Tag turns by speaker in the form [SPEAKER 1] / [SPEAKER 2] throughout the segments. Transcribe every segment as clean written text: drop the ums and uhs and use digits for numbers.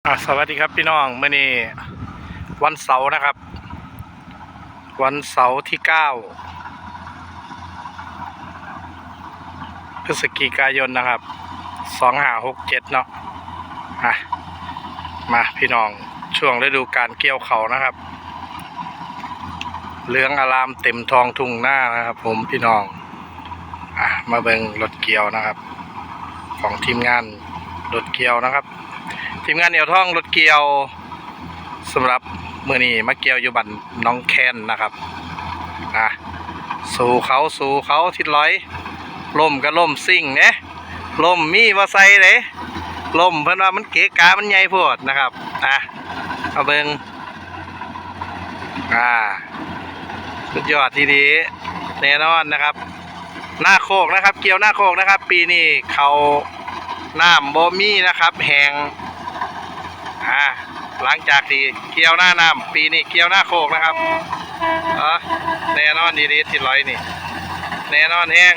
[SPEAKER 1] สวัสดีครับพี่น้องเมื่อนี้วันเสาร์นะครับวันเสาร์ที่9 พฤศจิกายนนะครับ2567เนาะมาพี่น้องช่วงฤดูการเกี่ยวเขานะครับเหลืองอารามเต็มทองทุ่งหน้านะครับผมพี่น้องมาเบิ่งรถเกี่ยวนะครับของทีมงานรถเกี่ยวนะครับทีมงานเหนียวท่องรถเกี่ยวสำหรับมือนี้มาเกี่ยวอยู่บันน้องแคนนะครับสู่เขาทิศร้อยล่มก็ล่มซิ่งเนี่ยล่มมีว่าใส่เลยล่มเพิ่นว่ามันเก๋กามันใหญ่โพดนะครับเอาเบิ่งสุดยอดทีดีแน่นอนนะครับหน้าโคกนะครับเกี่ยวหน้าโคกนะครับปีนี้เขาน้ำบ่มีนะครับแห้งหลังจากที่เกี่ยวหน้าน้ำปีนี้เกี่ยวหน้าโคกนะครับแน่นอนดีๆที่ร้อยนี่แน่นอนแห้ง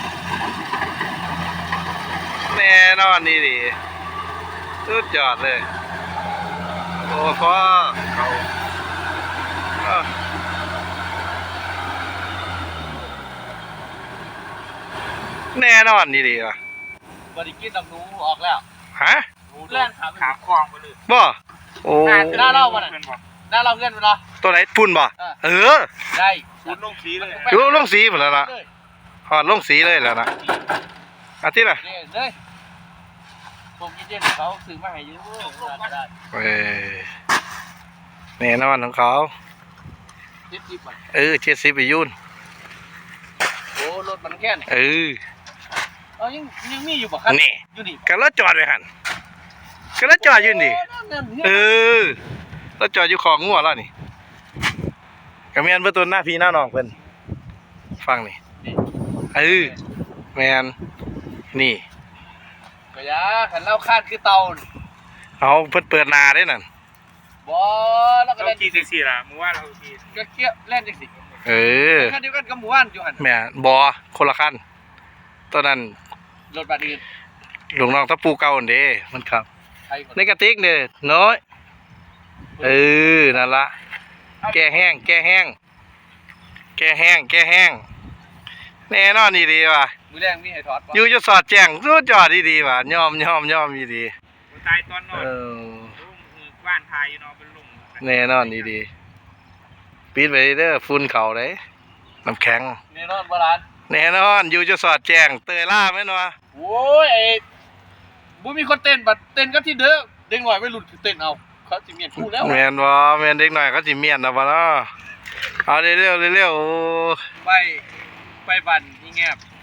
[SPEAKER 1] แน่นอนดีสุดยอดเลยโอ้พ่อเขาแน่นอนดีว่ะ
[SPEAKER 2] บริกินดำนูออกแล้ว
[SPEAKER 1] เลื่อน
[SPEAKER 2] ขาคลองไปเลย
[SPEAKER 1] บ่โอ้
[SPEAKER 2] หน้าเล่ามันหน้าเล่าเพื่อนมันเหรอ
[SPEAKER 1] ตัวไหนพุ่นบ่
[SPEAKER 2] ได้พุ่นลงสีเลย
[SPEAKER 1] ลงสีหมดแล้วนะหอดลงสีเลยแล้วนะอาทิตย์ละ
[SPEAKER 2] เลยผมกินเย็นเขาซื้อมาให้ยืมได้
[SPEAKER 1] แน่นอนของเขา70ไปยุ่น
[SPEAKER 2] โอ้รถมันแค่ไหนยังมีอยู่บ่ครับ
[SPEAKER 1] นี่กันแล้วจอดไว้หันกันแล้วจอดยืนดิแล้วจอดอยู่ของงัวแล้วนี่กระเมียนเพื่อตัวหน้าพี่หน้าน้องเพิ่นฟังนี่แมนนี่
[SPEAKER 2] ก็ยาขันเล่าคาดคือเตา
[SPEAKER 1] เอาเพิ่นเปิดนาได้นั่น
[SPEAKER 2] บ่แล้วก็
[SPEAKER 3] เล่นกี่จังสี่ล่ะมึงว่าเรากี่
[SPEAKER 2] ก็เกี่ยวเล่นจังสี่คันเดียวกันกับหมู่บ้านอยู่หัน
[SPEAKER 1] แม่บอคนละคันตอนนั้น
[SPEAKER 2] รถบัสอื่น
[SPEAKER 1] หลวงน้องตะปูเก่าเด้มันครับในกระติกเนี่ยน้อยนั่นละแก้แห้งแน่นอนดีว่ะ
[SPEAKER 2] มือแรงมีให้ถอด
[SPEAKER 1] อยู่จะสอดแจ้งสุดยอดดีว่ะยอมดี
[SPEAKER 3] ตายตอนนอนบ้านทายอยู่นอนเป็นลุง
[SPEAKER 1] แน่นอนดีปิดไปเด้อฝุ่นเข่าเลยน้ำแข็ง
[SPEAKER 2] แน่นอนบาลาน
[SPEAKER 1] แน่นอนอยู่จะสอดแจ้งเตยล่าไหมเนาะ
[SPEAKER 2] โอ้ยบุมีคนเต้นบัดเต้นก็ที่เด้อเด็กหน่อยไม่หลุดเต้นเอาเขาสิเมียนพูดแล้ว
[SPEAKER 1] เมียนบ่เมียนเด็กหน่อยเขาสิเมียนนะบ่เนาะเอาเร็ว
[SPEAKER 2] ไปบันนี่แงบ